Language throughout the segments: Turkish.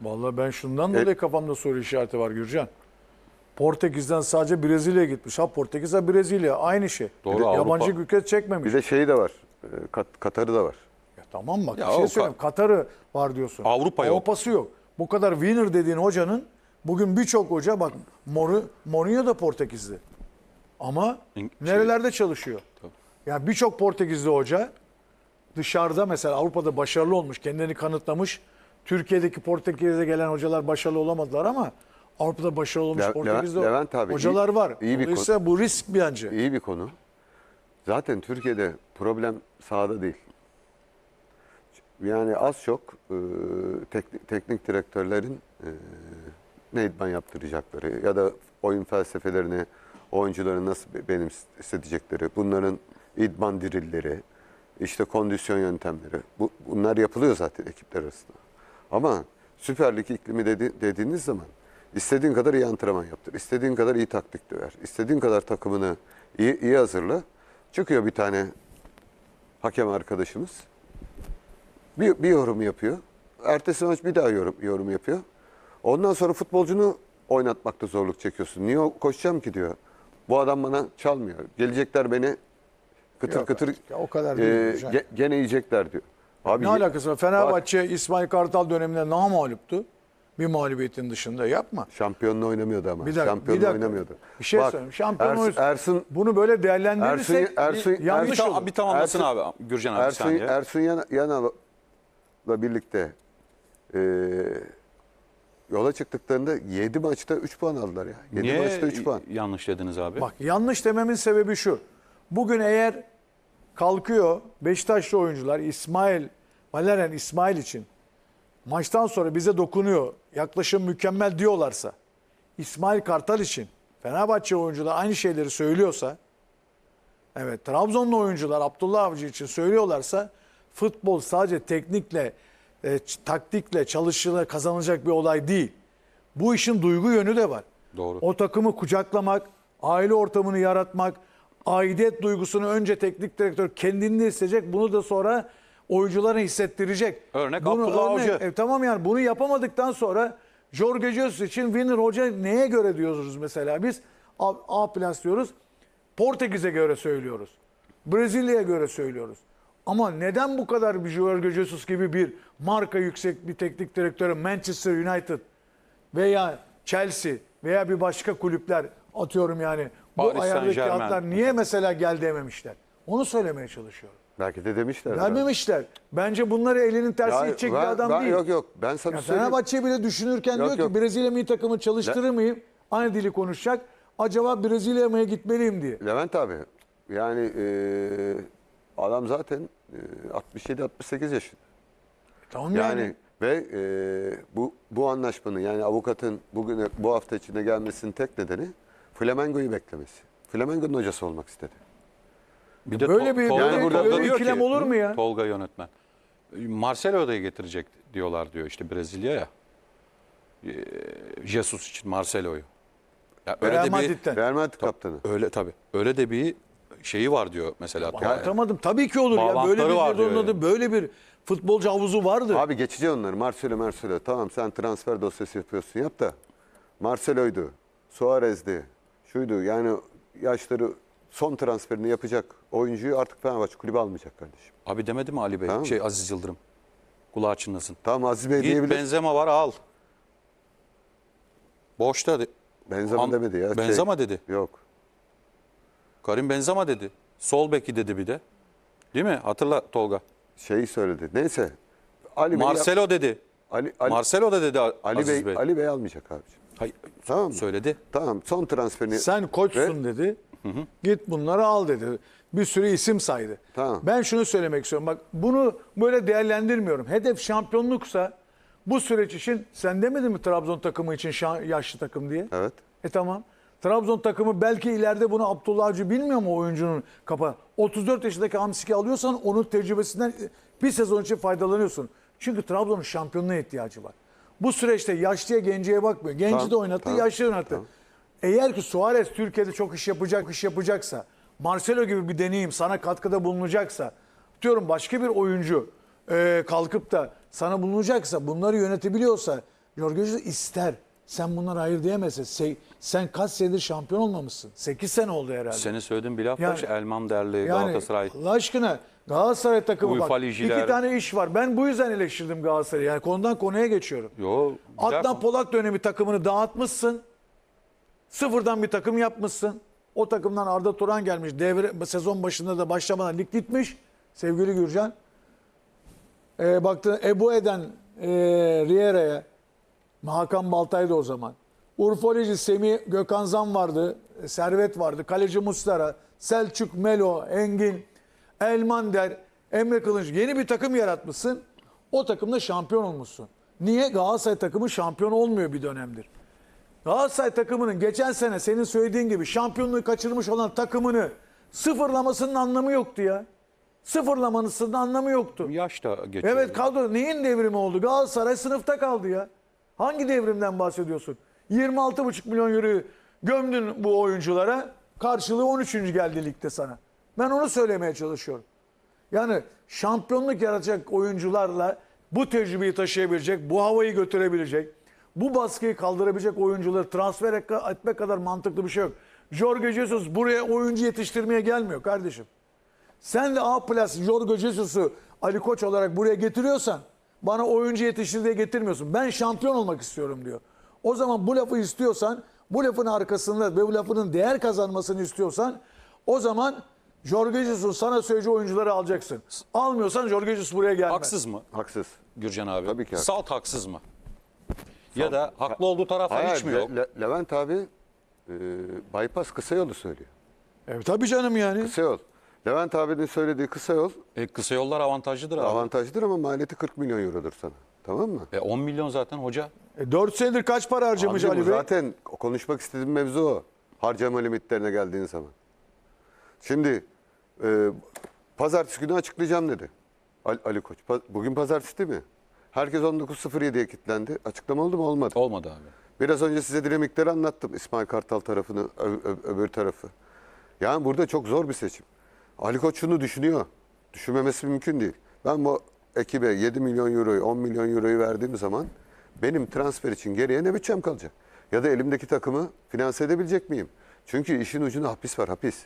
Vallahi ben şundan dolayı kafamda soru işareti var Gürcan. Portekiz'den sadece Brezilya'ya gitmiş. Ha Portekiz ha Brezilya aynı şey. Doğru, Yabancı Avrupa. ülke çekmemiş. Bir de şeyi de var. Katar'ı da var. Ya tamam bak Ya bir şey o söyleyeyim. Katar'ı var diyorsun. Avrupa yok. Avrupa'sı yok. Bu kadar winner dediğin hocanın bugün birçok hoca bak Mourinho da Portekizli. Ama nerelerde çalışıyor? Tabii. Yani birçok Portekizli hoca dışarıda mesela Avrupa'da başarılı olmuş, kendini kanıtlamış. Türkiye'deki Portekiz'e gelen hocalar başarılı olamadılar ama Avrupa'da başarılı olmuş Portekizli Levent abi, hocalar var. iyi bir Dolayısıyla bu risk bence. İyi bir konu. Zaten Türkiye'de problem sahada değil. Yani az çok teknik direktörlerin ne idman yaptıracakları ya da oyun felsefelerini oyuncuların nasıl benimsetecekleri, bunların idman dirilleri, işte kondisyon yöntemleri. Bunlar yapılıyor zaten ekipler arasında. Ama Süper Lig iklimi dediğiniz zaman istediğin kadar iyi antrenman yaptır, istediğin kadar iyi taktik döver, istediğin kadar takımını iyi hazırla. Çıkıyor bir tane hakem arkadaşımız. Bir yorum yapıyor. Ertesi maç bir daha yorum yapıyor. Ondan sonra futbolcunu oynatmakta zorluk çekiyorsun. Niye koşacağım ki diyor. Bu adam bana çalmıyor. Gelecekler beni kıtır Yok kıtır artık ya, o kadar değil hocam. gene yiyecekler diyor. Abi, Ne alakası var? Fenerbahçe İsmail Kartal döneminde namağluptu. Bir mağlubiyetin dışında yapma. şampiyonla oynamıyordu ama. Bir dakika, Şampiyonla oynamıyordu. Bir şey Bak, söyleyeyim. Şampiyon oyuncusu. Ersun Bunu böyle değerlendirirsek yanlış Ersun- olur. Bir tamamlasın abi Gürcan abi bir saniye. Ersun Yanal'la birlikte yola çıktıklarında 7 maçta 3 puan aldılar ya. 7 Niye maçta 3 puan. yanlış dediniz abi? Bak yanlış dememin sebebi şu. Bugün eğer kalkıyor Beşiktaşlı oyuncular Valerian İsmail için maçtan sonra bize dokunuyor, yaklaşım mükemmel diyorlarsa, İsmail Kartal için Fenerbahçe oyuncular aynı şeyleri söylüyorsa, evet Trabzonlu oyuncular Abdullah Avcı için söylüyorlarsa, futbol sadece teknikle, taktikle çalışıla kazanılacak bir olay değil. Bu işin duygu yönü de var. Doğru. O takımı kucaklamak, aile ortamını yaratmak, aidiyet duygusunu önce teknik direktör kendinde hissedecek, bunu da sonra oyunculara hissettirecek. Örnek Abdullah Avcı. Tamam yani bunu yapamadıktan sonra Jorge Jesus için winner hoca neye göre diyoruz mesela biz? A plus diyoruz. Portekiz'e göre söylüyoruz. Brezilya'ya göre söylüyoruz. Ama neden bu kadar bir Jorge Jesus gibi bir marka yüksek bir teknik direktörü Manchester United veya Chelsea veya bir başka kulüpler atıyorum yani bu Paris ayardaki Saint-Germain. atlar niye mesela gel dememişler? Onu söylemeye çalışıyorum. Belki de demişler. Vermemişler. Bence bunları elinin tersi itecek bir adam değil. Yok ben sana Ya söyleyeyim. Fenerbahçe bile düşünürken Yok, diyor ki yok. Brezilya milli takımı çalıştırır mıyım? Aynı dili konuşacak. Acaba Brezilya'ya mı gitmeliyim diye. Levent abi yani adam zaten 67-68 yaşında. Tamam Yani ve bu anlaşmanın yani avukatın bu hafta içinde gelmesinin tek nedeni Flamengo'yu beklemesi. Flamengo'nun hocası olmak istedi. Bir de Böyle bir- Tolga, böyle- Tolga böyle bir diyor ikilem ki, olur mu ya? Tolga yönetmen. Marcelo'yu da getirecek diyorlar diyor işte Brezilya'ya. Jesus için Marcelo'yu. Ya öyle Real de bir Madrid'den. Real Madrid kaptanı. öyle tabii. Öyle de bir şeyi var diyor mesela. Anlatamadım. Tabii ki olur ya. Böyle Bağlantıları bir var diyor adı, yani. böyle bir futbolcu havuzu vardı. Abi geçici onları. Marcelo. Tamam sen transfer dosyası yapıyorsun yap da. Marcelo'ydu. Suarez'di. Şuydu yani yaşları son transferini yapacak oyuncuyu artık Fenerbahçe kulübü almayacak kardeşim. Abi demedi mi Ali Bey? Tamam mı? Aziz Yıldırım. Kulağı çınlasın. Tamam Aziz Bey Git diyebilir. Benzema var al. Boşta. Benzema demedi ya. Benzema dedi. Yok. Karim Benzema dedi. Sol beki dedi bir de. Değil mi? Hatırla Tolga. Şeyi söyledi. Neyse. Ali Bey Marcelo dedi. Marcelo da dedi Aziz Bey. Ali Bey almayacak abiciğim. Hayır, Tamam mı? söyledi. Tamam son transferini. Sen koçsun dedi. Git bunları al dedi. Bir sürü isim saydı. Tamam. Ben şunu söylemek istiyorum. Bak bunu böyle değerlendirmiyorum. Hedef şampiyonluksa bu süreç için sen demedin mi Trabzon takımı için yaşlı takım diye? Evet. Tamam. Trabzon takımı belki ileride bunu Abdullah Avcı bilmiyor mu oyuncunun kafa? 34 yaşındaki Hamsik'i alıyorsan onun tecrübesinden bir sezon için faydalanıyorsun. Çünkü Trabzon'un şampiyonluğa ihtiyacı var. Bu süreçte yaşlıya genceye bakmıyor. Genci Tamam, de oynattı, tamam, yaşlı oynattı. tamam. Eğer ki Suarez Türkiye'de çok iş yapacaksa, Marcelo gibi bir deneyim sana katkıda bulunacaksa, diyorum başka bir oyuncu kalkıp da sana bulunacaksa, bunları yönetebiliyorsa Jorge Jesus ister. Sen bunlara hayır diyemezsin. Sen kaç senedir şampiyon olmamışsın? 8 sene oldu herhalde. Senin söylediğin bir laf Yani- var. İşte Elman Derli, Yani Galatasaray. Allah aşkına Galatasaray takımı UEFA bak. Ligiler. 2 tane iş var. Ben bu yüzden eleştirdim Galatasaray'ı. Yani konudan konuya geçiyorum. Yo, güzel Adnan konu. Polat dönemi takımını dağıtmışsın. Sıfırdan bir takım yapmışsın. O takımdan Arda Turan gelmiş. Sezon başında da başlamadan lig bitmiş. Sevgili Gürcan. Baktın Ebu Eden Riera'ya. Hakan Baltay'dı o zaman. Urfoleci Semih Gökhan Zan vardı. Servet vardı. Kaleci Muslera. Selçuk, Melo, Engin, Elmander, Emre Kılınç. Yeni bir takım yaratmışsın. O takımda şampiyon olmuşsun. Niye? Galatasaray takımı şampiyon olmuyor bir dönemdir. Galatasaray takımının geçen sene senin söylediğin gibi şampiyonluğu kaçırmış olan takımını sıfırlamasının anlamı yoktu ya. Sıfırlamasının anlamı yoktu. Yaş da geçiyor. Evet, kadro neyin devrimi oldu? Galatasaray sınıfta kaldı ya. Hangi devrimden bahsediyorsun? 26,5 milyon euroyu gömdün bu oyunculara. Karşılığı 13. geldi ligde sana. Ben onu söylemeye çalışıyorum. Yani şampiyonluk yaratacak oyuncularla bu tecrübeyi taşıyabilecek, bu havayı götürebilecek, bu baskıyı kaldırabilecek oyuncuları transfer etmek kadar mantıklı bir şey yok. Jorge Jesus buraya oyuncu yetiştirmeye gelmiyor kardeşim. Sen de A plus Jorge Jesus'u Ali Koç olarak buraya getiriyorsan bana oyuncu yetiştir diye getirmiyorsun. Ben şampiyon olmak istiyorum diyor. O zaman bu lafı istiyorsan, bu lafın arkasında ve bu lafının değer kazanmasını istiyorsan o zaman Jorge Jesus sana söyleyeceği oyuncuları alacaksın. Almıyorsan Jorge Jesus buraya gelmez. Haksız mı Haksız. Gürcan abi? Tabii ki haksız. Salt haksız mı? Ya da haklı olduğu taraflar hiç mi yok? Levent abi bypass kısa yolu söylüyor. Evet tabii canım yani. Kısa yol. Levent abinin söylediği kısa yol Kısa yollar avantajlıdır abi. avantajlıdır ama maliyeti 40 milyon eurodur sana. Tamam mı? 10 milyon zaten hoca. 4 senedir kaç para harcamış Abicim, Ali Bey? zaten konuşmak istediğim mevzu o. Harcama limitlerine geldiğin zaman. Şimdi pazartesi günü açıklayacağım dedi Ali Koç. Bugün pazartesi değil mi? Herkes 19.07'ye kilitlendi. Açıklama oldu mu? Olmadı. Olmadı abi. Biraz önce size dinamikleri anlattım. İsmail Kartal tarafını, öbür tarafı. Yani burada çok zor bir seçim. Ali Koç şunu düşünüyor. Düşünmemesi mümkün değil. Ben bu ekibe 7 milyon euroyu, 10 milyon euroyu verdiğim zaman benim transfer için geriye ne bütçem kalacak? Ya da elimdeki takımı finanse edebilecek miyim? Çünkü işin ucunda hapis var, hapis.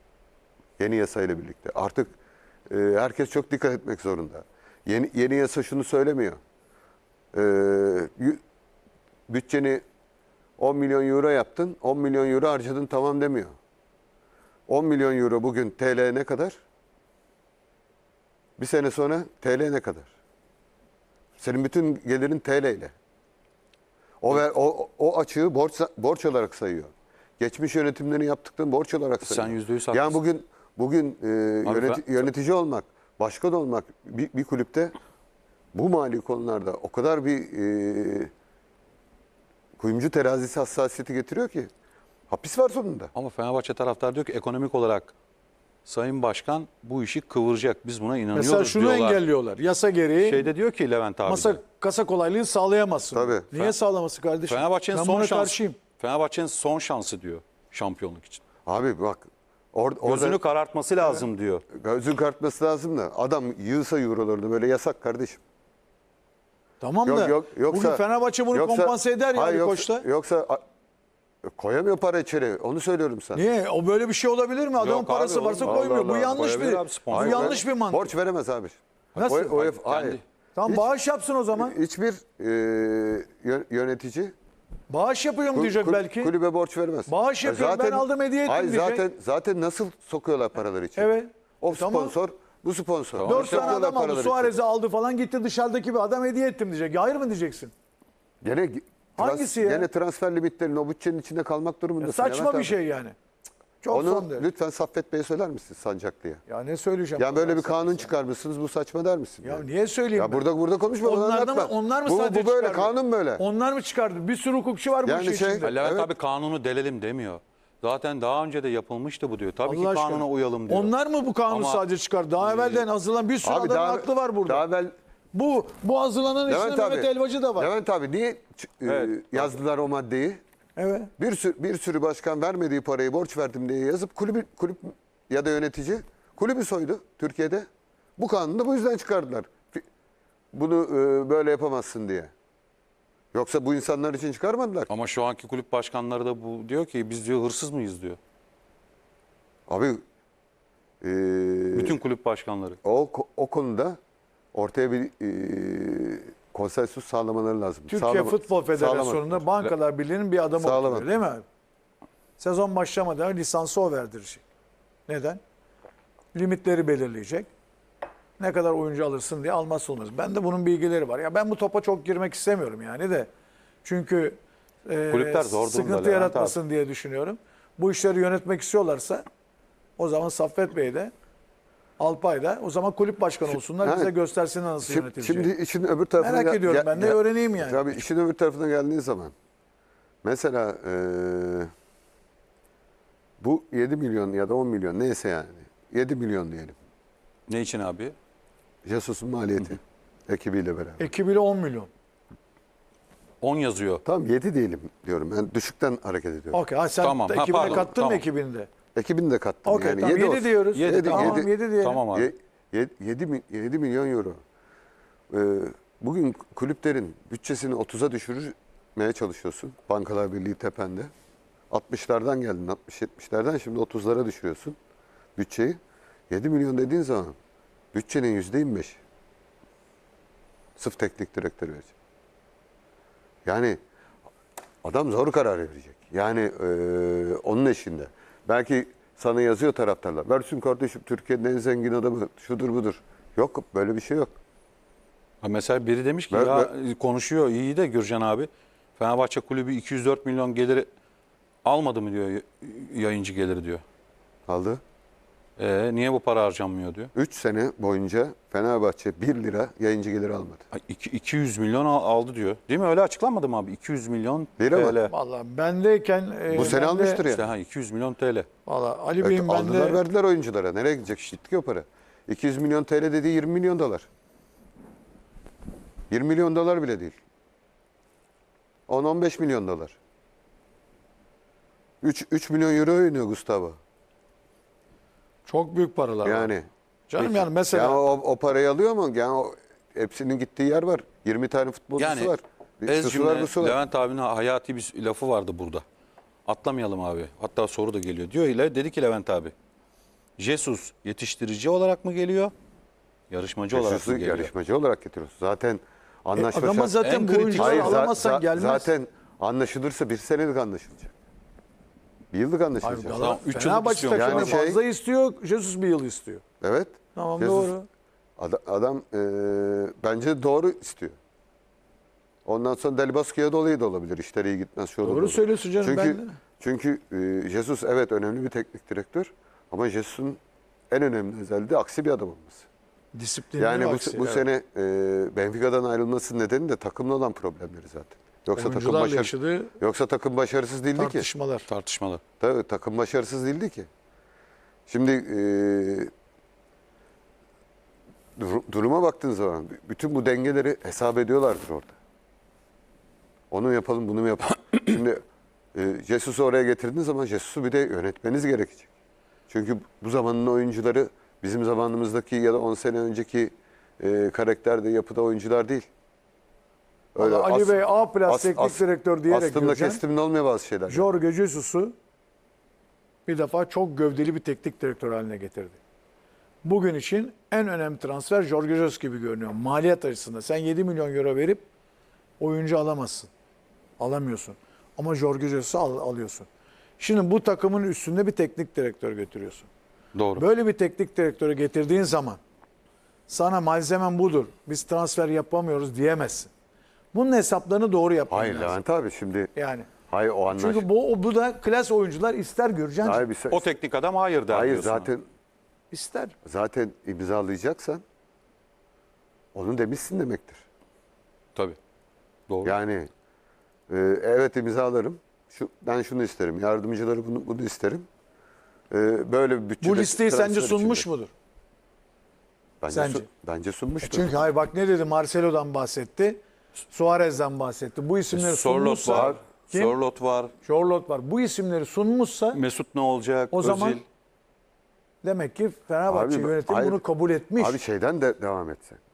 Yeni yasayla birlikte. Artık herkes çok dikkat etmek zorunda. Yeni yasa şunu söylemiyor. Bütçeni 10 milyon euro yaptın, 10 milyon euro harcadın tamam demiyor. 10 milyon euro bugün TL ne kadar? Bir sene sonra TL ne kadar? Senin bütün gelirin TL ile. O açığı borç olarak sayıyor. Geçmiş yönetimlerin yaptıklarını borç olarak sayıyor. Sen %100 Yani bugün Abi yönetici olmak, başkan olmak bir kulüpte bu mali konularda o kadar bir kuyumcu terazisi hassasiyeti getiriyor ki hapis var sonunda. Ama Fenerbahçe taraftar diyor ki ekonomik olarak Sayın Başkan bu işi kıvıracak. Biz buna inanıyoruz Mesela şunu diyorlar. engelliyorlar. Yasa gereği Şeyde diyor ki Levent abi. kasa kolaylığı sağlayamazsın. Tabii. Niye sağlaması kardeşim? Fenerbahçe'nin Ben son buna şansı. karşıyım. Fenerbahçe'nin son şansı diyor şampiyonluk için. Abi bak Gözünü orada karartması lazım diyor. gözün kartması lazım da adam yığsa eurolarını böyle yasak kardeşim. Tamam da Yoksa, bugün Fenerbahçe bunu kompanse eder ya hayır, Ali Koç'ta. Yoksa koyamıyor para içeri. Onu söylüyorum sana. Niye? O böyle bir şey olabilir mi? Adamın Yok parası abi, varsa Allah koymuyor. Bu Allah. yanlış Koyabilir abi, bu sponsor. yanlış bir mantık. Borç veremez abi. Nasıl? Hayır. Kendi. Tamam bağış yapsın o zaman. Hiçbir yönetici Bağış yapıyorum diyecek belki. kulübe borç vermez. Bağış yapıyorum, ben aldım, hediye ettim hayır, diyecek. Zaten nasıl sokuyorlar paraları için? Evet. O Tamam. sponsor, bu sponsor. 4 tane Sokuyorlar adam aldı. paraları için. Suarez'i aldı falan gitti dışarıdaki bir adam hediye ettim diyecek. Ya hayır mı diyeceksin? Gene Hangisi ya? Gene transfer limitlerinin o bütçenin içinde kalmak durumundasın. Saçma Levent bir abi. şey yani. Çok Onu son derece. lütfen Saffet Bey'e söyler misin Sancaklı'ya? Ya ne söyleyeceğim? Ya böyle bir Allah kanun sana. çıkarmışsınız, bu saçma der misin? Ya yani? niye söyleyeyim Ya ben? burada konuşma, bana Onlar da mı, anlatma. onlar mı bu sadece böyle, çıkardı? kanun böyle. Onlar mı çıkardı? Bir sürü hukukçu var bu Yani işin şey- içinde. Levent Evet. abi kanunu delelim demiyor. Zaten daha önce de yapılmıştı bu diyor. Tabii Allah ki aşkına. kanuna uyalım diyor. Onlar mı bu kanunu Ama- sadece çıkardı? Daha evvelden hazırlanan bir sürü adamın aklı var burada. Daha evvel Bu hazırlanan içinde Levent Mehmet abi, Elvacı da var. Levent abi niye Evet. yazdılar o maddeyi? Evet. Bir sürü başkan vermediği parayı borç verdim diye yazıp kulüp ya da yönetici kulübü soydu Türkiye'de. Bu kanunu da bu yüzden çıkardılar. Bunu böyle yapamazsın diye. Yoksa bu insanlar için çıkarmadılar. Ama şu anki kulüp başkanları da bu diyor ki biz diyor hırsız mıyız diyor. Abi Bütün kulüp başkanları. o konuda ortaya bir konsensus sağlamaları lazım. Türkiye Futbol Federasyonu'nda Sağlamadılar. Bankalar Birliği'nin bir adamı Sağlamadılar. oturuyor değil mi abi? Sezon başlamadan lisansı o verdirecek. Neden? Limitleri belirleyecek. Ne kadar oyuncu alırsın diye almazsa olmaz. Ben de bunun bilgileri var. Ya ben bu topa çok girmek istemiyorum yani de. Çünkü Kulüpler zor durumda sıkıntı Levent yaratmasın diye düşünüyorum. Bu işleri yönetmek istiyorlarsa o zaman Saffet Bey de Alpay da o zaman kulüp başkanı olsunlar. Ha, Bize göstersinler nasıl yönetileceği. Şimdi işin öbür tarafına Merak ediyorum ben de öğreneyim yani. Tabii işin öbür tarafına geldiği zaman mesela bu 7 milyon ya da 10 milyon neyse yani 7 milyon diyelim. Ne için abi? Jesus'un maliyeti ekibiyle beraber. Ekibiyle 10 milyon. 10 yazıyor. Tamam 7 diyelim diyorum. Ben düşükten hareket ediyorum. Okey. Ha, sen Tamam, ha, ekibine pardon, kattın mı tamam. ekibinde? Ekibini de kattım. Okey yani tamam 7 olsun. diyoruz. Yedi, Tamam yedi. 7 diyelim. Tamam abi. 7 milyon euro. Bugün kulüplerin bütçesini 30'a düşürmeye çalışıyorsun. Bankalar Birliği tepende. 60'lardan geldin, 60-70'lerden şimdi 30'lara düşürüyorsun bütçeyi. 7 milyon dediğin zaman bütçenin %25. Sırf teknik direktör verecek. Yani adam zor karar verecek. Yani onun eşinde. Belki sana yazıyor taraftarlar. Versin kardeşim Türkiye'nin en zengin adamı şudur budur. Yok böyle bir şey yok. Ha mesela biri demiş ki konuşuyor iyi de Gürcan abi. Fenerbahçe kulübü 204 milyon geliri almadı mı diyor yayıncı geliri diyor. Aldı. Niye bu para harcanmıyor diyor. 3 sene boyunca Fenerbahçe 1 lira yayıncı geliri almadı. 200 milyon aldı diyor. Değil mi? Öyle açıklanmadı mı abi? 200 milyon Lira mı? TL. Vallahi bendeyken Bu sene almıştır İşte yani. 200 milyon TL. Valla Ali Bey'in Aldılar bende verdiler oyunculara. Nereye gidecek? Gitti ki o para. 200 milyon TL dediği 20 milyon dolar. 20 milyon dolar bile değil. 10-15 milyon dolar. 3 milyon euro oynuyor Gustavo. çok büyük paralar var. Yani. Canım yani mesela Yani o parayı alıyor mu? Yani hepsinin gittiği yer var. 20 tane futbolcusu Yani var. ez Şusu var, cümle busu var. Levent abinin hayati bir lafı vardı burada. Atlamayalım abi. Hatta soru da geliyor. Diyor ile dedi ki Levent abi. Jesus yetiştirici olarak mı geliyor? Yarışmacı olarak Jesus'u mı geliyor? yarışmacı olarak getiriyorsun. Zaten anlaşma adama şart- zaten En bu kritik- oyuncuları Hayır, alamazsan gelmez. Zaten anlaşılırsa 1 senelik anlaşılacak. 1 yıllık Hayır, anlaşılacak. Tamam, 3 yıllık Fenerbahçe istiyorum. takımı Yani şey- fazla istiyor. Jesus bir yıl istiyor. Evet. Tamam Jesus- doğru. Adam bence doğru istiyor. Ondan sonra Del Bosque'ye dolayı da olabilir. İşleri iyi gitmez. Şu olur, Doğru bu olur. söylüyorsun canım, Çünkü, ben de. Çünkü Jesus evet önemli bir teknik direktör. Ama Jesus'un en önemli özelliği de aksi bir adam olması. Disiplinli Yani aksi, bu evet. sene Benfica'dan ayrılmasının nedeni de takımla olan problemleri zaten. Oyuncularla yaşadığı Yoksa takım başarısız değildi ki. tartışmalar. Tartışmalı. Tabii takım başarısız değildi ki. Şimdi duruma baktığın zaman bütün bu dengeleri hesap ediyorlardır orada. Onu yapalım, bunu mu yapalım. Şimdi Jesus'u oraya getirdiğiniz zaman Jesus'u bir de yönetmeniz gerekecek. Çünkü bu zamanın oyuncuları bizim zamanımızdaki ya da 10 sene önceki karakterde, yapıda oyuncular değil. Vallahi Ali Bey A plus as- teknik as- direktör diyerek aslında Gürcan, kestimde olmuyor bazı şeyler. Jorge Jesus'u bir defa çok gövdeli bir teknik direktör haline getirdi. Bugün için en önemli transfer Jorge Jesus gibi görünüyor. Maliyet açısından. Sen 7 milyon euro verip oyuncu alamazsın. Alamıyorsun. Ama Jorge Jesus'u alıyorsun. Şimdi bu takımın üstünde bir teknik direktör götürüyorsun. Doğru. Böyle bir teknik direktörü getirdiğin zaman sana malzemen budur. Biz transfer yapamıyoruz diyemezsin. Bunun hesaplarını doğru yapman Hayır lazım. Levent abi şimdi Yani. hayır o anlaş. Çünkü bu da klas oyuncular ister Gürcan. Hayır, bir O teknik adam hayır der hayır diyorsun. İster. zaten imzalayacaksan onu demişsin demektir. Tabii. Doğru. Yani evet imzalarım. Ben şunu isterim. Yardımcıları bunu isterim. Böyle bir bütçede Bu listeyi sence transfer sunmuş içinde. mudur? Bence, Sence? bence sunmuştur. Çünkü hayır bak ne dedi? Marcelo'dan bahsetti. Suarez'den bahsetti. Bu isimleri Sorlot sunmuşsa var. kim? Sorlot var. Charlotte var. Bu isimleri sunmuşsa Mesut ne olacak? o zaman Özil. demek ki Fenerbahçe Abi, yönetimi hayır. bunu kabul etmiş. Abi şeyden de devam etse.